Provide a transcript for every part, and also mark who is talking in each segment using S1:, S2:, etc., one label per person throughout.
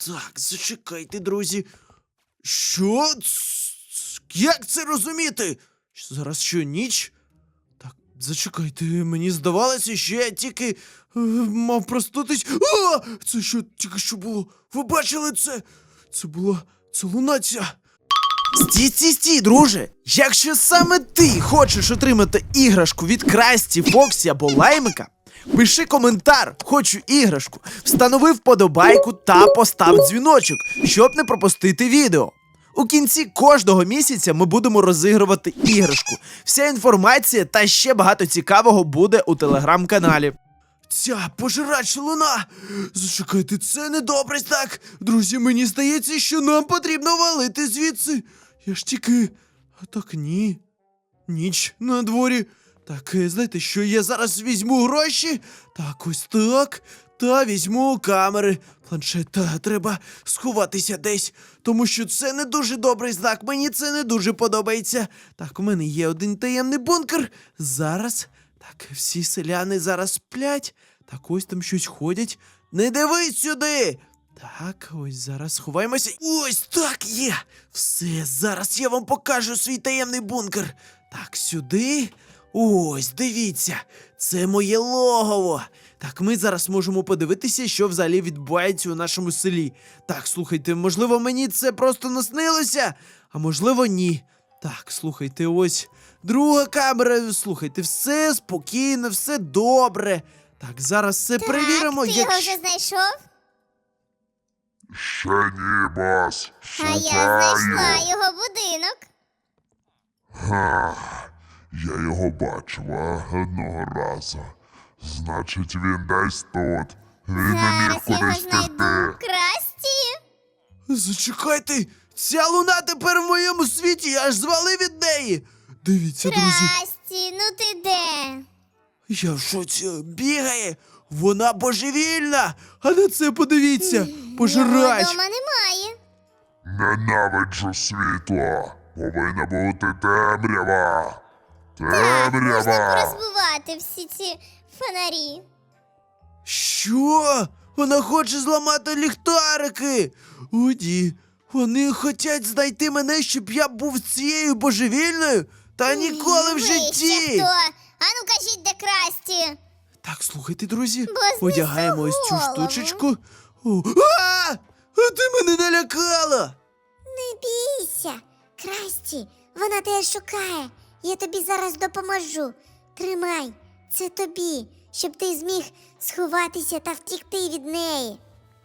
S1: Так, зачекайте, друзі. Що? Як це розуміти? Зараз що, ніч? Так, зачекайте, мені здавалося, що я тільки мав проснутись. А! Це що тільки що було? Ви бачили це? Це луна ця. Стій, друже! Якщо саме ти хочеш отримати іграшку від Красті, Фоксі або Лаймика, пиши коментар «Хочу іграшку», встанови вподобайку та постав дзвіночок, щоб не пропустити відео. У кінці кожного місяця ми будемо розігрувати іграшку. Вся інформація та ще багато цікавого буде у телеграм-каналі. Ця пожирача луна! Зачекайте, це недобре так! Друзі, мені здається, що нам потрібно валити звідси. Я ж тільки... А так ні. Ніч на дворі. Так, знаєте що, я зараз візьму гроші. Так, ось так. Та візьму камери. Планшет, та треба сховатися десь. Тому що це не дуже добрий знак. Мені це не дуже подобається. Так, у мене є один таємний бункер. Зараз... Так, всі селяни зараз сплять. Так, ось там щось ходять. Не дивись сюди! Так, ось зараз сховаємося. Ось так є! Все, зараз я вам покажу свій таємний бункер. Так, сюди. Ось, дивіться, це моє логово. Так, ми зараз можемо подивитися, що взагалі відбувається у нашому селі. Так, слухайте, можливо, мені це просто наснилося, а можливо, ні. Так, слухайте, ось друга камера. Слухайте, все спокійно, все добре. Так, зараз все перевіримо.
S2: Ти його вже знайшов?
S3: Ще ні, бос.
S2: А я
S3: Шукаю.
S2: знайшла його будинок.
S3: Ха, я його бачила одного разу. Значить, він десь тут. Він не міг
S2: Зараз я його
S3: кудись
S2: знайду.
S3: втекти.
S2: Красті.
S1: Зачекайте, ця луна тепер в моєму світі, я аж звалив від неї. Дивіться, друзі,
S2: Красті, ну ти де?
S1: я в шоці, бігає, вона божевільна. А на це подивіться,
S2: Його
S1: пожирач.
S2: дома немає.
S3: Ненавиджу світло. Повинна бути темрява.
S2: Можна
S3: Темрява.
S2: порозбивати всі ці фонарі.
S1: Що? Вона хоче зламати ліхтарики. О, ні. Вони хочуть знайти мене, щоб я був цією божевільною? Та ніколи в
S2: Ви ще
S1: житті.
S2: хто? Ану кажіть, де Красті?
S1: Так, слухайте, друзі,
S2: Бо
S1: одягаємо ось цю
S2: знесу голову.
S1: штучечку. О, а ти мене налякала.
S2: Не бійся, Красті, вона тебе шукає. Я тобі зараз допоможу. Тримай, це тобі, щоб ти зміг сховатися та втікти від неї.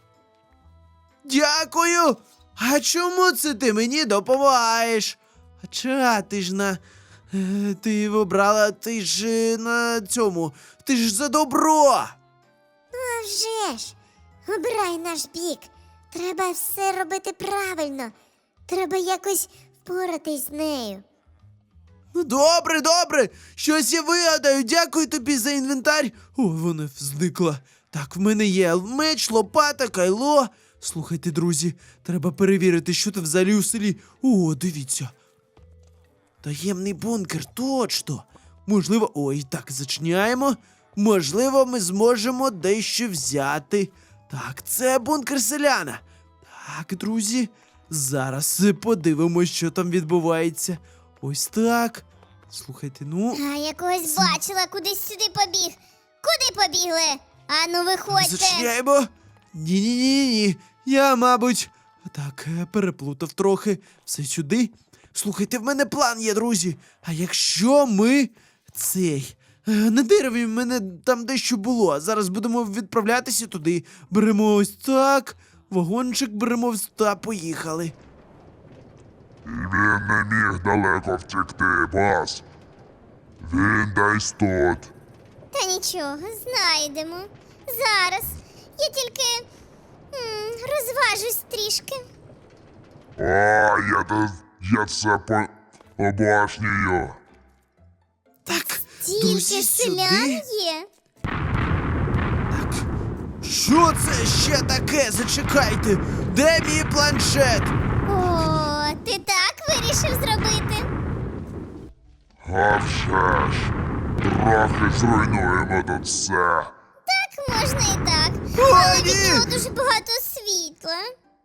S1: Дякую. А чому це ти мені допомагаєш? Хоча ти ж на... Ти обрала, ти ж на цьому... Ти ж за добро.
S2: А вже ж, обирай наш бік. Треба все робити правильно. Треба якось впоратись з нею.
S1: Ну, добре. Щось я вигадаю. Дякую тобі за інвентар. О, вона зникла. Так, в мене є меч, лопата, кайло. Слухайте, друзі, треба перевірити, що там взагалі у селі. О, дивіться. Таємний бункер, точно. Можливо, ой, так, зачиняємо. Можливо, ми зможемо дещо взяти. Так, це бункер селяна. Так, друзі, зараз подивимось, що там відбувається. Ось так. Слухайте, ну...
S2: А я когось бачила, кудись сюди побіг. Куди побігли? Ану, виходьте.
S1: Зачиняємо. Ні. Я, мабуть, так, переплутав трохи. Все сюди. Слухайте, в мене план є, друзі. А якщо ми на дереві в мене там дещо було. А зараз будемо відправлятися туди. Беремо ось так. Вагончик беремо та поїхали.
S3: І він не міг далеко втекти, бос. Він десь тут.
S2: Та нічого, знайдемо. Зараз. Я тільки розважусь трішки.
S3: О, я це обожнюю.
S1: Так,
S2: Тільки
S1: друзі,
S2: селян
S1: сюди.
S2: є.
S1: Так. Що це ще таке? Зачекайте. Де мій планшет?
S2: О, ти так вирішив зробити?
S3: А вже ж. Трохи зруйнуємо тут все.
S2: Так, можна і так.
S1: О,
S2: Але від
S1: ні!
S2: нього дуже багато світла.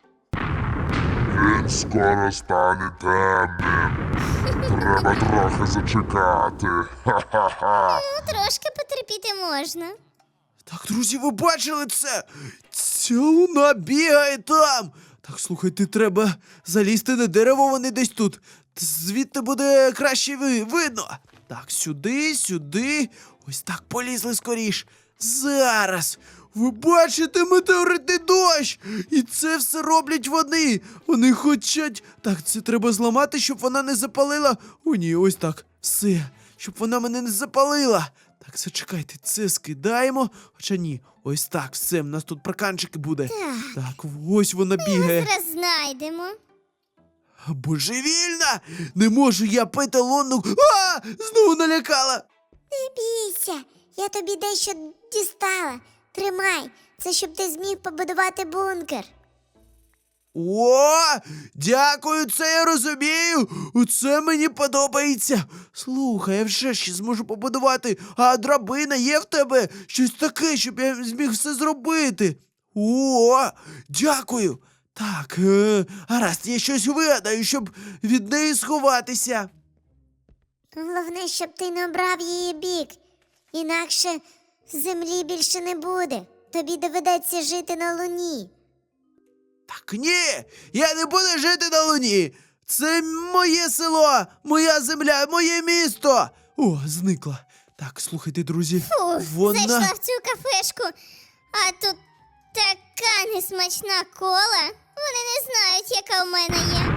S3: Він скоро стане темним. Треба трохи зачекати. Ха-ха-ха.
S2: Ну, трошки потерпіти можна.
S1: Так, друзі, ви бачили це? Ця луна бігає там. Так, слухайте, треба залізти на дерево, вони десь тут. Звідти буде краще видно. Так, сюди, сюди. Ось так полізли скоріш. Зараз. Ви бачите метеоритний дощ! І це все роблять вони. Вони хочуть. Так, це треба зламати, щоб вона не запалила. О, ні, ось так. Все. Щоб вона мене не запалила. Так, зачекайте, це скидаємо. Хоча ні, ось так, все, в нас тут проканчики буде. Так, ось вона бігає.
S2: Зараз знайдемо.
S1: Божевільна! Не можу я пити лунну. А! Знову налякала!
S2: Не бійся, я тобі дещо дістала. Тримай, це щоб ти зміг побудувати бункер.
S1: О, дякую, це я розумію. Це мені подобається. Слухай, я вже ще зможу побудувати. А драбина є в тебе? Щось таке, щоб я зміг все зробити. О, дякую. Так, гаразд, я щось вигадаю, щоб від неї сховатися.
S2: Головне, щоб ти не обрав її бік. Інакше землі більше не буде. Тобі доведеться жити на луні.
S1: Так ні, я не буду жити на луні. Це моє село, моя земля, моє місто. О, зникла. Так, слухайте, друзі.
S2: Зайшла в цю кафешку, а тут така несмачна кола. Вони не знають, яка в мене є.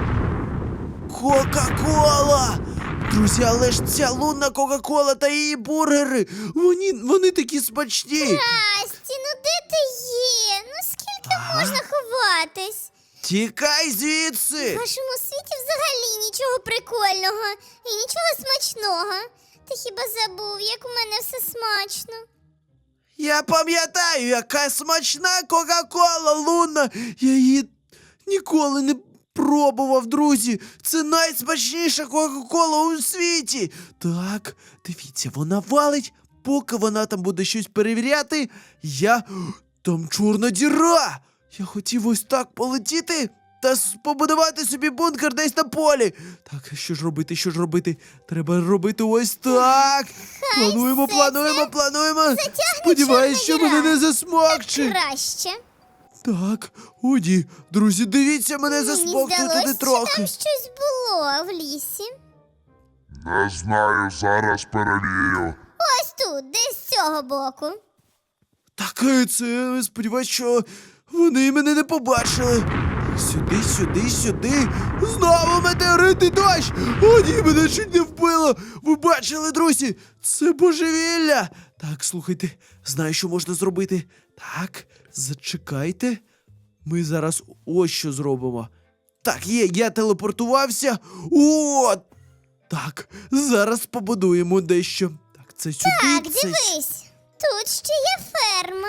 S1: Кока-кола! Друзі, але ж ця лунна Кока-кола та її бургери, вони такі смачні.
S2: Расті, ну де ти є? Ну скільки можна ховатись?
S1: Тікай
S2: В
S1: звідси.
S2: вашому світі взагалі нічого прикольного і нічого смачного. Ти хіба забув, як у мене все смачно?
S1: Я пам'ятаю, яка смачна Кока-кола лунна. Я її ніколи не пробував, друзі. Це найсмачніша Кока-кола у світі. Так, дивіться, вона валить. Поки вона там буде щось перевіряти, там чорна діра. Я хотів ось так полетіти та побудувати собі бункер десь на полі. Так, що ж робити? Треба робити ось так. Плануємо. Сподіваюсь, що
S2: чорна
S1: мене
S2: діра.
S1: не засмокче.
S2: Краще.
S1: Так, о ні, друзі, дивіться, мене
S2: Мені
S1: засмокчує
S2: здалось,
S1: туди
S2: що
S1: трохи.
S2: там щось було в лісі.
S3: Не знаю, зараз перевірю.
S2: Ось тут, десь з цього боку.
S1: Так, це, сподіваюсь, що вони мене не побачили. Сюди. Знову метеоритний дощ! О, ні, мене чуть не вбило! Ви бачили, друзі? Це божевілля! Так, слухайте, знаю, що можна зробити. Так, зачекайте. Ми зараз ось що зробимо. Так, я телепортувався. О! Так, зараз побудуємо дещо. Так, це сюди,
S2: Так,
S1: це
S2: дивись, тут ще є ферма.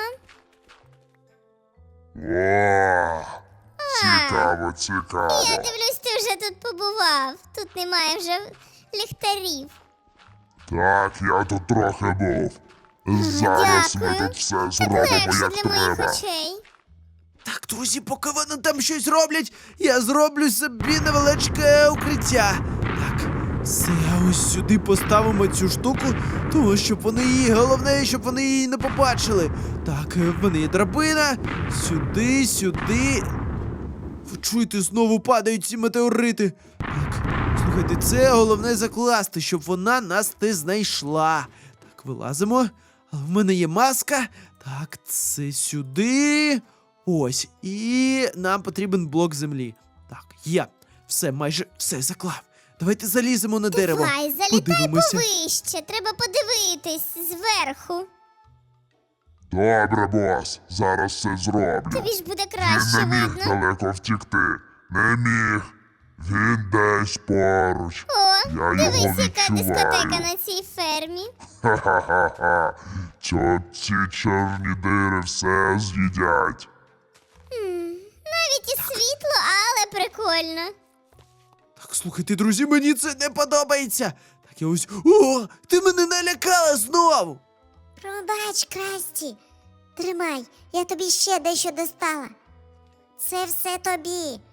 S3: О, цікаво.
S2: Я дивлюсь, ти вже тут побував. Тут немає вже ліхтарів.
S3: Так, я тут трохи був. Зараз ми
S2: Дякую.
S3: тут все
S2: Так
S3: зробимо,
S2: легше
S3: як
S2: для моїх
S3: треба.
S2: очей.
S1: Так, друзі, поки вони там щось роблять, я зроблю собі невеличке укриття. Так, все, ось сюди поставимо цю штуку, тому щоб вони її, головне, щоб вони її не побачили. Так, в мене є драбина. Сюди. Ви чуєте, знову падають ці метеорити. Так, слухайте, це головне закласти, щоб вона нас не знайшла. Так, вилазимо. Але в мене є маска. Так, це сюди. Ось, і нам потрібен блок землі. Так, є. Все, майже все заклав. Давайте заліземо на дерево.
S2: Давай, залітай
S1: Подивимося.
S2: повище. Треба подивитись зверху.
S3: Добре, бос, зараз все зроблю.
S2: Тобі ж буде
S3: Він
S2: краще
S3: не міг
S2: видно.
S3: далеко втікти. Не міг. Він десь поруч.
S2: О,
S3: Я його
S2: дивись, яка
S3: відчуваю.
S2: дискотека на цій фермі.
S3: Ха-ха-ха-ха. Ці чорні дири все з'їдять.
S2: Навіть і світло, але прикольно.
S1: Так, слухайте, друзі, мені це не подобається. Так, я ось. О, ти мене налякала знову.
S2: Пробач, Красті. Тримай, я тобі ще дещо достала. Це все тобі.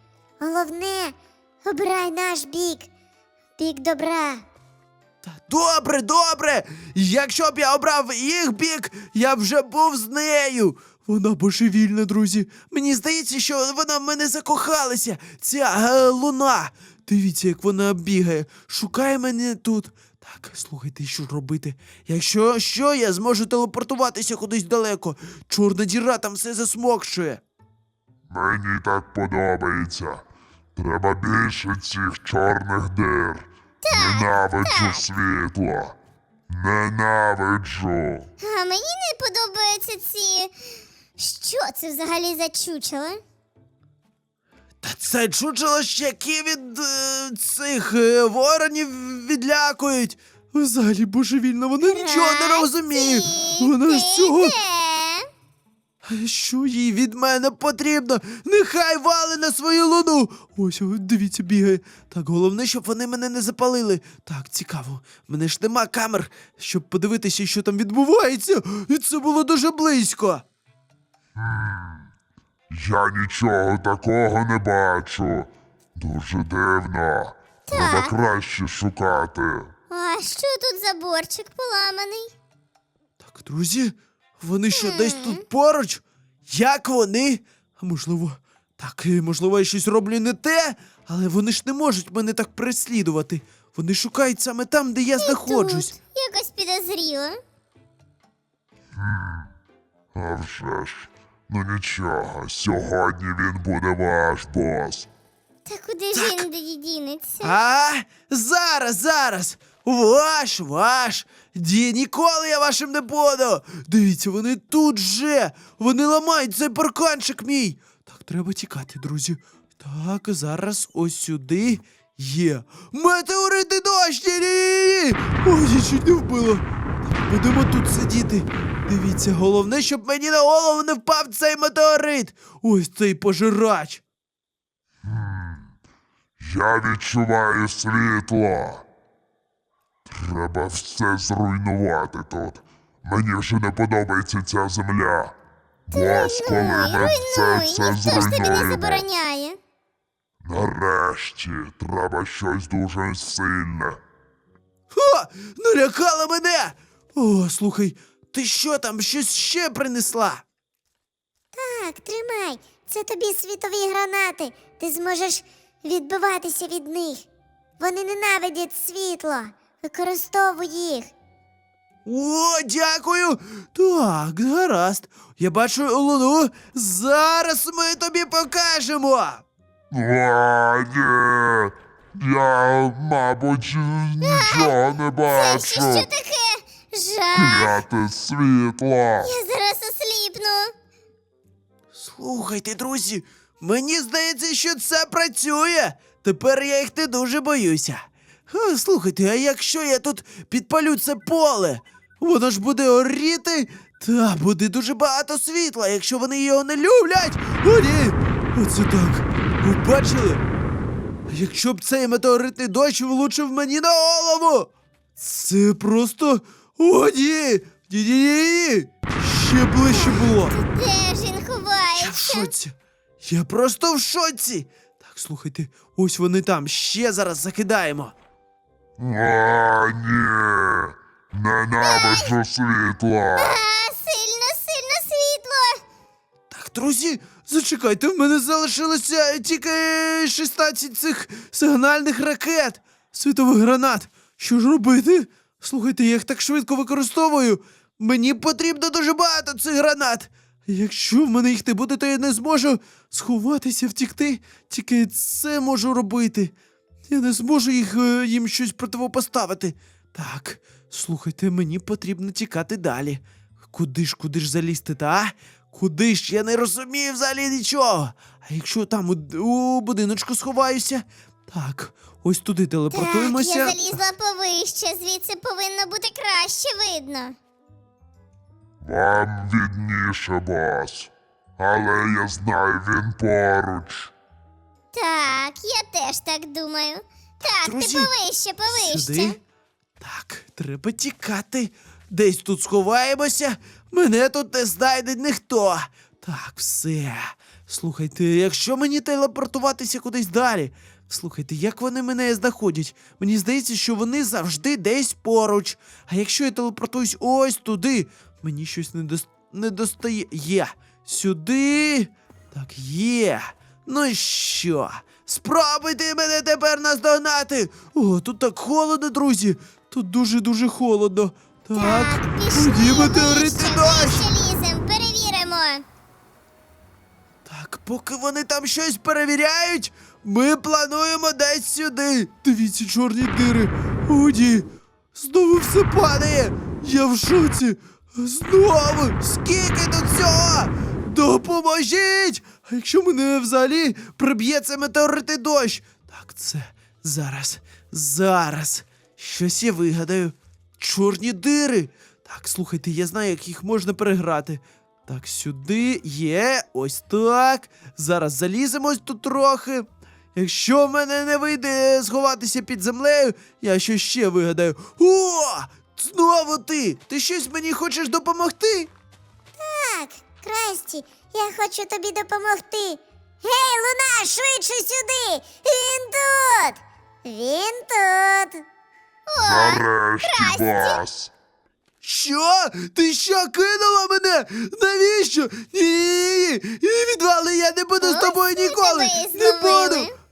S2: Головне, обирай наш бік. Бік добра.
S1: Та добре, добре! Якщо б я обрав їх бік, я б вже був з нею. Вона божевільна, друзі. Мені здається, що вона в мене закохалася. Ця луна. Дивіться, як вона бігає. Шукає мене тут. Так, слухайте, що робити? Якщо що, я зможу телепортуватися кудись далеко. Чорна діра там все засмокшує.
S3: Мені так подобається. Треба більше цих чорних дир. Ненавиджу світло. Ненавиджу.
S2: А мені не подобаються ці. Що це взагалі за чучело?
S1: Та це чучело ще які від цих воронів відлякують. Взагалі божевільно, вона нічого не розуміє. Вона з цього. Що їй від мене потрібно? Нехай вали на свою луну. Ось, дивіться, бігає. Так, головне, щоб вони мене не запалили. Так, цікаво. В мене ж нема камер, щоб подивитися, що там відбувається. І це було дуже близько.
S3: Я нічого такого не бачу. Дуже дивно. Треба краще шукати.
S2: А що тут за борчик поламаний?
S1: Так, друзі, вони що, десь тут поруч? Як вони? А можливо, так, можливо, я щось роблю не те, але вони ж не можуть мене так переслідувати. Вони шукають саме там, де я знаходжусь.
S2: Тут якось підозріло.
S3: А вже ж. Ну нічого, сьогодні він буде ваш бос.
S2: Та куди ж він дінеться?
S1: А, зараз. Ваш. Ніколи я вашим не буду. Дивіться, вони тут же. Вони ламають цей парканчик мій. Так, треба тікати, друзі. Так, зараз ось сюди є. Метеоритний дощ! Ні-ні-ні! Ой, я чуть не вбило. Так, будемо тут сидіти. Дивіться, головне, щоб мені на голову не впав цей метеорит. Ось цей пожирач.
S3: Я відчуваю світло. Треба все зруйнувати тут. Мені вже не подобається ця земля. Бос, коли ми все
S2: Ніхто ж тобі не
S3: зруйнуємо.
S2: забороняє.
S3: Нарешті, треба щось дуже сильне.
S1: Ха! Налякала мене! О, слухай, ти що там, щось ще принесла?
S2: Так, тримай. Це тобі світові гранати. Ти зможеш відбиватися від них. Вони ненавидять світло. Використовуй їх.
S1: О, дякую! Так, гаразд. Я бачу луну. Зараз ми тобі покажемо.
S3: А, ні. Я, мабуть, нічого не
S2: Це ще що
S3: бачу.
S2: таке? Жах.
S3: Кляте світло.
S2: Я зараз осліпну.
S1: Слухайте, друзі, мені здається, що це працює. Тепер я їх не дуже боюся. Слухайте, а якщо я тут підпалю це поле, воно ж буде горіти, та буде дуже багато світла, якщо вони його не люблять. О, ні! Оце так. Ви бачили? Якщо б цей метеоритний дощ влучив мені на голову, це просто... О, ні! Ні-ні-ні! Ще ближче було.
S2: Де ж він
S1: Я в
S2: ховається?
S1: шоці. Я просто в шоці. Так, слухайте, ось вони там. Ще зараз закидаємо.
S3: А, ні. Ненавиджу світло.
S2: Сильно світло.
S1: Так, друзі, зачекайте, в мене залишилося тільки 16 цих сигнальних ракет. Світових гранат. Що ж робити? Слухайте, я їх так швидко використовую. Мені потрібно дуже багато цих гранат. Якщо в мене їх не буде, то я не зможу сховатися, втікти. Тільки це можу робити. Я не зможу їм щось противопоставити. Так, слухайте, мені потрібно тікати далі. Куди ж залізти, та? Куди ж? Я не розумію взагалі нічого. А якщо там у будиночку сховаюся? Так, ось туди телепортуємося.
S2: Так, я залізла повище, звідси повинно бути краще видно.
S3: Вам відніше, бос. Але я знаю, він поруч.
S2: Так, я теж так думаю. Так,
S1: друзі,
S2: ти повище.
S1: Сюди. Так, треба тікати. Десь тут сховаємося. Мене тут не знайде ніхто. Так, все. Слухайте, якщо мені телепортуватися кудись далі. Слухайте, як вони мене знаходять? Мені здається, що вони завжди десь поруч. А якщо я телепортуюсь ось туди, мені щось не достає. Є. Сюди. Так, є. Ну що? Спробуйте мене тепер наздогнати. О, тут так холодно, друзі. Тут дуже-дуже холодно. Так, тоді метеоритний дощ.
S2: Вище лізем, перевіримо.
S1: Так, поки вони там щось перевіряють, ми плануємо десь сюди. Дивіться, чорні дири. О, ні. Знову все падає. Я в шоці. Знову. Скільки тут всього? Допоможіть! А якщо мене взагалі приб'є це метеоритний дощ? Так, це зараз. Щось я вигадаю. Чорні дири. Так, слухайте, я знаю, як їх можна переграти. Так, сюди є, ось так. Зараз заліземо ось тут трохи. Якщо в мене не вийде сховатися під землею, я щось ще вигадаю. О! Знову ти! Ти щось мені хочеш допомогти?
S2: Так, Красті, я хочу тобі допомогти. Гей, Луна, швидше сюди! Він тут! Він тут!
S3: Нарешті, бас.
S1: Що? Ти що, кинула мене? Навіщо? Ні, відвали, я не буду з тобою
S2: Ось ми
S1: ніколи.
S2: тебе і
S1: Не
S2: зловили.
S1: буду.